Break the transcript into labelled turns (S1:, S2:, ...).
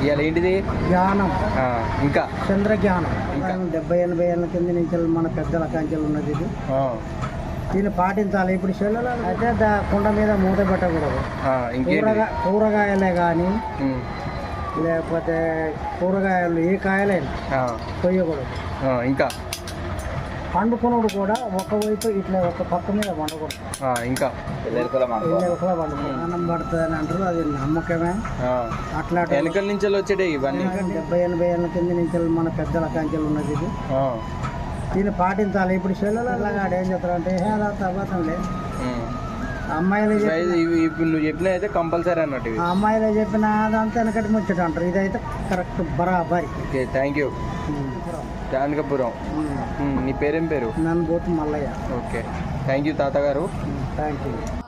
S1: ఇవాళ ఏంటిది?
S2: జ్ఞానం,
S1: ఇంకా
S2: చంద్రజ్ఞానం.
S1: ఇంకా
S2: 70-80 ఏళ్ళ కింద నుంచి మన పెద్దల కంచెలు ఉన్నది ఇది. దీన్ని పాటించాలి. ఇప్పుడు చెల్లెలు అయితే కుండ మీద మూత పెట్టకూడదు. కూరగాయలే కానీ లేకపోతే కూరగాయలు ఏ కాయలైనా కొయ్యకూడదు.
S1: ఇంకా
S2: పండుకునుడు కూడా ఒకవైపు ఇట్లా ఒక పక్క మీద వండకూడదు.
S1: ఇంకా
S2: వండుకోవడం అన్నం పడుతుంది అని అంటారు. అది నమ్మకమే. అట్లా
S1: వెనకల నుంచి వచ్చేటి ఇవన్నీ
S2: 70-80 ఏళ్ళ కింద నుంచి మన పెద్దల కంచెలు ఉన్నది ఇది. దీన్ని పాటించాలి. ఇప్పుడు చెల్లెలు ఏం చెప్తారు అంటే అదంతా అబద్ధం లేదు. అమ్మాయిలు
S1: ఇప్పుడు నువ్వు చెప్పిన అయితే కంపల్సరీ అన్నట్టు.
S2: అమ్మాయిలు చెప్పిన అదంతా వెనకటి ముచ్చట అంటారు. ఇదైతే కరెక్ట్ బరాబరి.
S1: Okay, thank you. జానకపురం. నీ పేరేం పేరు?
S2: నన్ను Bothu Mallaiah.
S1: Okay, thank you తాతగారు.
S2: Thank you.